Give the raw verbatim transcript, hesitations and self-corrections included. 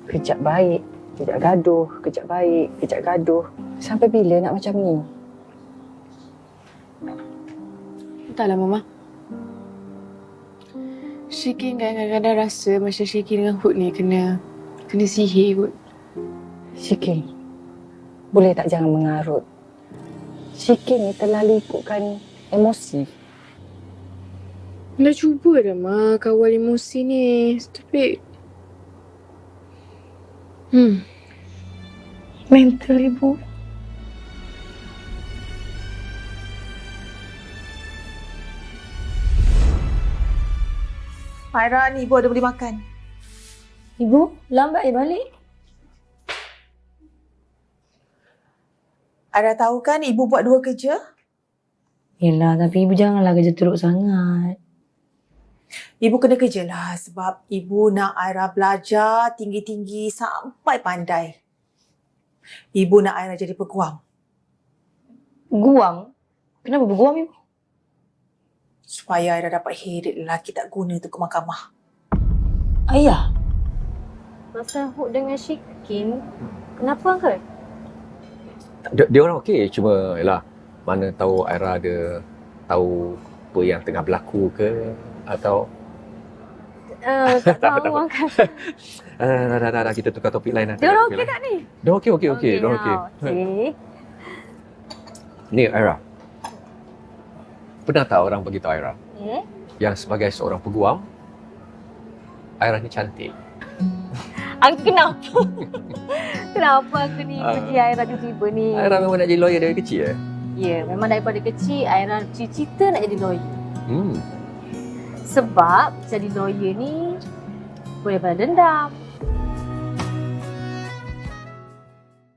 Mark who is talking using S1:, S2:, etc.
S1: Kejap baik, kejap gaduh, kejap baik, kejap gaduh. Sampai bila nak macam ni?
S2: Entahlah, Mama. Syikin kadang-kadang rasa macam Syikin dengan Hud ni kena kena sihir kot.
S1: Syikin, boleh tak jangan mengarut? Syikin ni terlalu ikutkan emosi.
S2: Dah cuba dah, Ma, kawal emosi ni. Tapi... Hmm.
S1: Mental ibu.
S3: Aira, ni ibu ada boleh makan.
S4: Ibu, lambat ya balik?
S3: Aira tahu kan ibu buat dua kerja?
S4: Yelah, tapi ibu janganlah kerja teruk sangat.
S3: Ibu kena kerja lah sebab ibu nak Aira belajar tinggi-tinggi sampai pandai. Ibu nak Aira jadi peguam.
S4: Guam? Kenapa berguam ibu?
S3: Supaya Aira dapat heret lelaki tak guna tu ke mahkamah.
S4: Ayah?
S5: Masa Hud dengan Syikin, kenapa ke?
S6: Dia, dia orang okey, cuma yalah, mana tahu Aira ada tahu apa yang tengah berlaku ke atau
S5: Uh, tak tahu kan.
S6: uh, dah, dah, dah, dah, kita tukar topik lain lah.
S5: Dia orang okey tak ni?
S6: Dia okey, okey, okey. Dia okey.
S5: Okey.
S6: Ni Aira. Pernah tak orang beritahu Aira
S5: Eh?
S6: yang sebagai seorang peguam, Aira ni cantik?
S5: Aku kenapa? Kenapa aku ni
S6: Ah.
S5: puji Aira tiba-tiba ni?
S6: Aira memang nak jadi lawyer dari kecil eh?
S5: Ya, memang daripada kecil Aira cita-cita nak jadi lawyer.
S6: Hmm.
S5: Sebab jadi lawyer ni boleh balas dendam,